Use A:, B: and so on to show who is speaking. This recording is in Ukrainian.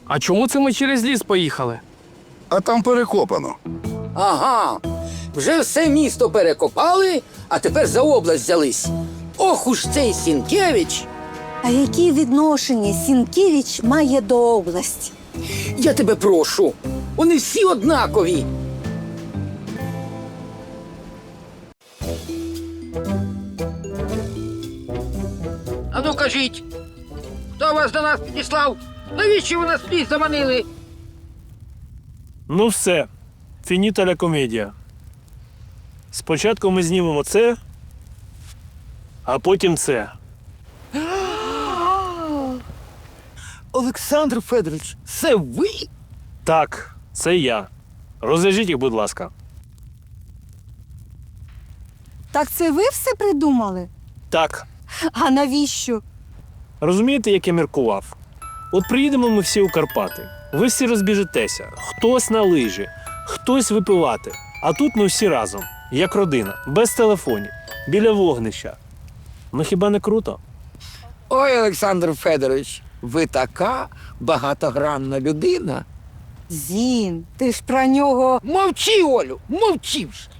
A: А чому це ми через ліс поїхали?
B: А там перекопано.
C: Ага, вже все місто перекопали, а тепер за область взялись. Ох уж цей Сінкевич!
D: А які відношення Сінкевич має до області?
C: Я тебе прошу, вони всі однакові. А ну кажіть, хто вас до нас підіслав? Навіщо ви нас в ліс заманили?
E: Ну все, фініта ля комедія. Спочатку ми знімемо це, а потім це.
C: Олександр Федорович, це ви?
E: Так, це я. Розв'яжіть їх, будь ласка.
D: Так це ви все придумали?
E: Так,
D: А навіщо?
E: розумієте, як я міркував? От приїдемо ми всі у Карпати. Ви всі розбіжетеся. Хтось на лижі, хтось випивати. А тут ми всі разом, як родина, без телефонів, біля вогнища. Ну хіба не круто?
C: Ой, Олександр Федорович, ви така багатогранна людина.
D: Зін, ти ж про нього.
C: Мовчи, Олю, мовчи ж.